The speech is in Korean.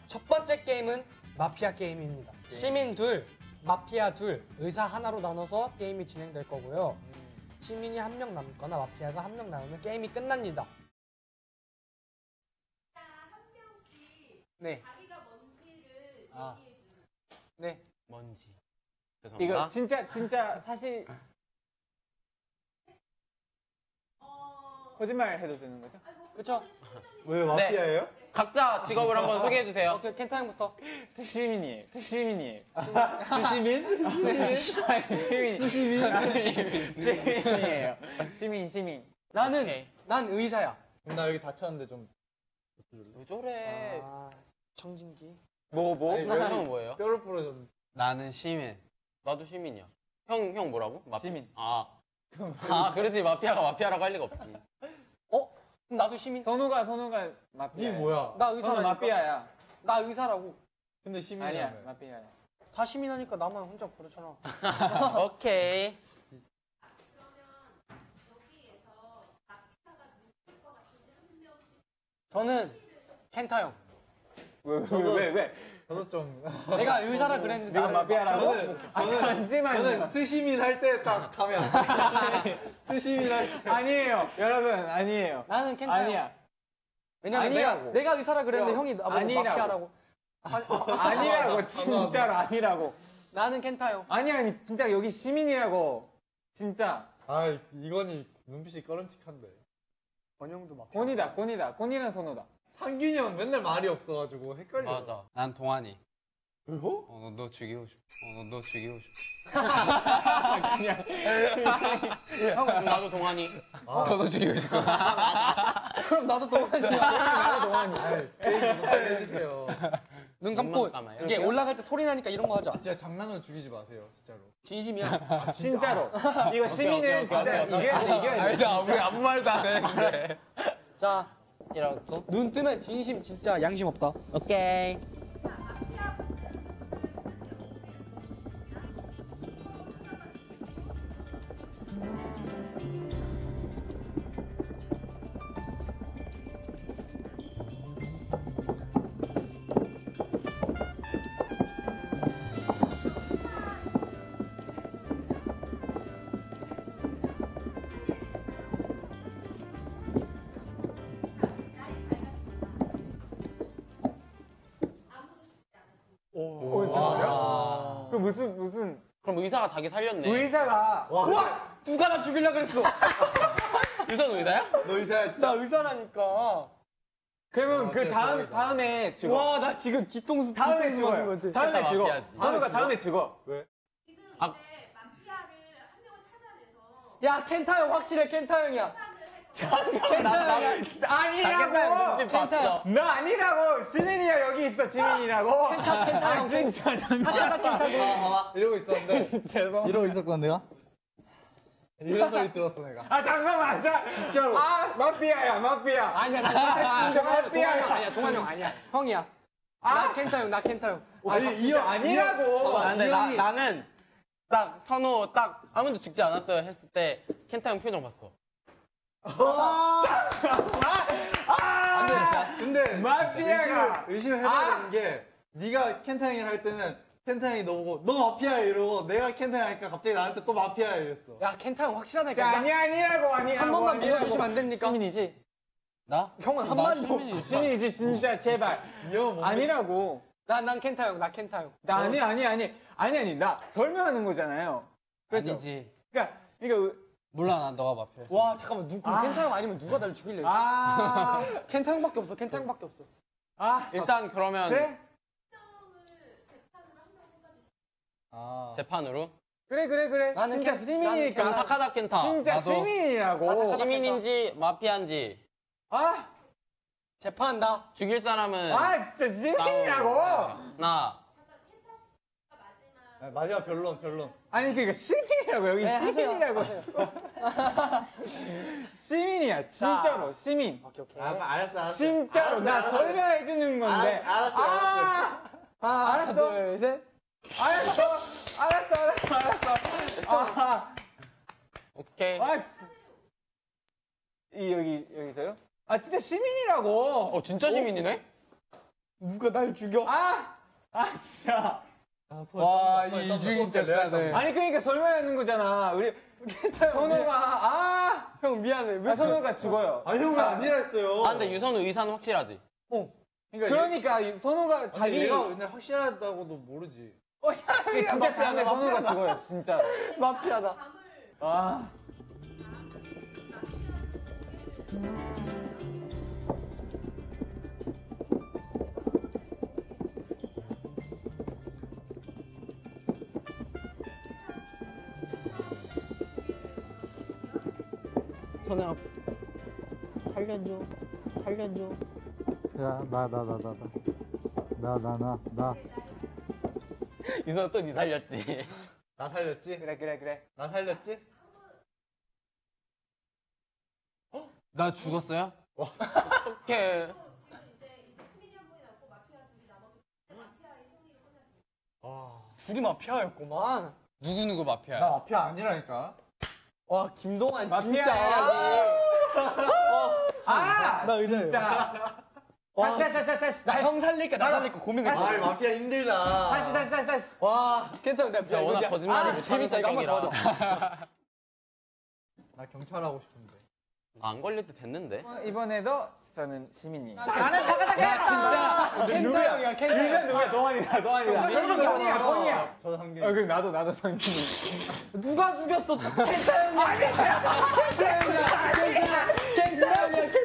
첫 번째 게임은 마피아 게임입니다. 시민 둘, 마피아 둘, 의사 하나로 나눠서 게임이 진행될 거고요. 시민이 한 명 남거나 마피아가 한 명 남으면 게임이 끝납니다. 한 명씩 네. 자기가 뭔지를 얘기해 주는. 네. 뭔지. 죄송합니다. 이거 진짜 사실 거짓말 해도 되는 거죠? 그쵸? 왜 마피아예요? 각자 직업을 한번 소개해 주세요. 오케이, 켄타 형부터. 스시민이에요. 스시민이에요. 수시민? 시민이에요. 시민. 난 의사야. 나 여기 다쳤는데 좀. 왜 저래? 자, 청진기. 뭐? 아니, 형은 뭐예요? 뼈를 부러졌는데. 나는 시민. 나도 시민이야. 형 뭐라고? 시민. 아, 그렇지. 마피아가 마피아라고 할 리가 없지. 그럼 나도 시민. 선우가 마피아. 니 뭐야? 나 선우 의사라니까. 마피아야. 나 의사라고. 근데 아니야, 시민이야. 마피아야. 다 시민하니까 나만 혼자 그렇잖아. 오케이. 여기에서 마피아가 누굴 것 같은데 한 명씩. 저는 켄타 형. 왜? 저도 좀. 내가 의사라 그랬는데 내가 나를 마피아라고? 마피아로 잠시만요. 스시민 할 때 딱 가면. 스시민 할 때. 아니에요. 여러분, 아니에요. 나는 켄타 형. 아니야. 왜냐면 아니라고. 내가 의사라 그랬는데 야, 형이 나보고 아니라고. 마피아라고. 아니라고, 진짜로 아니라고. 나는 켄타 형. 아니, 진짜 여기 시민이라고. 진짜. 아, 이건이 눈빛이 꺼름칙한데. 원형도 마피아. 곤이랑 선우다. 상균이 형 맨날 말이 없어가지고 헷갈려. 맞아. 난 동환이. 왜요? 너 죽이고 싶어. 너 죽이고 싶어. 형, 나도 동환이. 너도 죽이고 싶어. 그럼 나도 동안이야. 페이지 좀 빨리 해주세요. 눈 감고 눈만 감아요? 이게 올라갈 때 소리 나니까 이런 거 하자. 진짜 장난으로 죽이지 마세요, 진짜로. 진심이야. 진짜로. 이거 시민은 오케이, 진짜 오케이. 이겨야 돼. 나 왜 아무 말도 안 했는데. 자, 이러고. 눈 뜨면 진심 진짜 양심 없다. 오케이. 오, 진짜요? 그 무슨 그럼 의사가 자기 살렸네. 의사가 우와! 누가 나 죽이려 그랬어. 유선 의사야? 너 의사야, 진짜. 나 의사라니까. 그러면 그 진짜 대박이다. 다음에 죽어. 와, 나 지금 뒤통수 다음에 맞은 죽어요. 것 같아. 다음에 그때 죽어. 마피아지. 선우가 다음에 죽어. 왜? 지금 아. 이제 마피아를 한 명을 찾아내서 야, 켄타 형 확실해. 켄타 형이야. 켄타 형이야. 아니라고. 눈빛 봤어. 나 아니라고. 시민이야 여기 있어. 지민이라고. 켄타 형. 진짜 켄타 켄타. 봐봐, 이러고 있었는데. 죄송. 이러고 있었거든, 내가? 이런 소리 들었어, 내가. 아 잠깐만. 진짜로. 아 마피아야 마피아. 아니야, 나 진짜 동환 마피아야. 형 아니야. 동환 형 아니야. 형이야. 나 켄타 형, 나 켄타 형. 아니 이 형 아니라고. 봐봐. 근데 이 형이- 나는 딱 선호 딱 아무도 죽지 않았어요 했을 때 켄타 형 표정 봤어. 근데 마피아가. 의심해봐야 되는 게 네가 켄타 형이랑 할 때는 켄타 형이 너 보고 너 마피아야 이러고 내가 켄타 형 하니까 갑자기 나한테 또 마피아야 이랬어. 야, 켄타 형 확실하다니까. 자, 아니라고. 한 번만 믿어주시면 안 됩니까? 시민이지. 나? 형은 한 나 번도. 시민이지. 시민이지 진짜 제발. 이형 뭔데? 아니라고. 난 켄타 형, 나 켄타 형. 나 아니 나 설명하는 거잖아요. 그렇죠. 아니지. 그러니까 이거 몰라 난 너가 마피아였어. 와, 잠깐만. 그럼 켄타 형 아니면 누가 나를 죽일래? 아 켄타 형밖에 없어. 켄타 형밖에 없어. 일단 그러면 그래 아. 재판으로 그래. 나는 진짜 나는 시민이니까. 그럼 타카다 켄타. 진짜 나도 시민이라고. 시민인지 마피아인지 아 재판한다. 죽일 사람은 진짜 시민이라고. 나. 아, 마지막 변론. 아니 그러니까 시민이라고 여기 네, 하세요. 시민이라고. 시민이야 진짜로 시민. 오케이. 알았어. 진짜로 나 설명해 주는 건데. 알았어. 알았어. 둘, 셋. 알았어. 오케이. 진짜. 여기서요? 진짜 시민이라고. 진짜 시민이네? 누가 날 죽여? 진짜. 와, 이 이중인 짝짜네. 아니 그러니까 설명하는 거잖아. 우리 선호가 형 미안해. 왜 선호가 죽어요. 아 형 왜 아니라 했어요? 아, 근데 유선우 의사는 확실하지. 그러니까 선호가 자기 얘가 근데 확실하다고도 모르지. 진짜 피하네. 선호가 죽어요. 진짜. 마피아다. 아. 선우야, 살려줘. 살려줘. 야, 나. 유선우 또 니 살렸지. 나 살렸지? 그래. 나 살렸지? 나 죽었어요? 어떡해. 지금 이제 시민이 한 분이 남고 마피아 둘이 남았기 때문에 마피아의 승리로 끝났습니다. 둘이 마피아였구만. 누구 마피아야? 나 마피아 아니라니까. 와, 김동완 마피아 진짜. 나 의사예요. 진짜. 다시. 나 형 살릴까 나 살릴까 고민했어. 아 마피아 힘들다. 다시. 와, 괜찮아. 내가 진짜 워낙 거짓말이 못하는 재밌다. 이거 한번 더 성격이라. 하자. 나 경찰 하고 싶은데. 안 걸릴 때 됐는데. 이번에도 저는 시민이. 진짜 켄타 형이야. 켄타 형. 누구야? 동환이다. 동환이야. 저도 한개. 그럼 나도 성민이. 누가 죽였어? 켄타 형이야. 켄타 형이야. 켄타 형이야.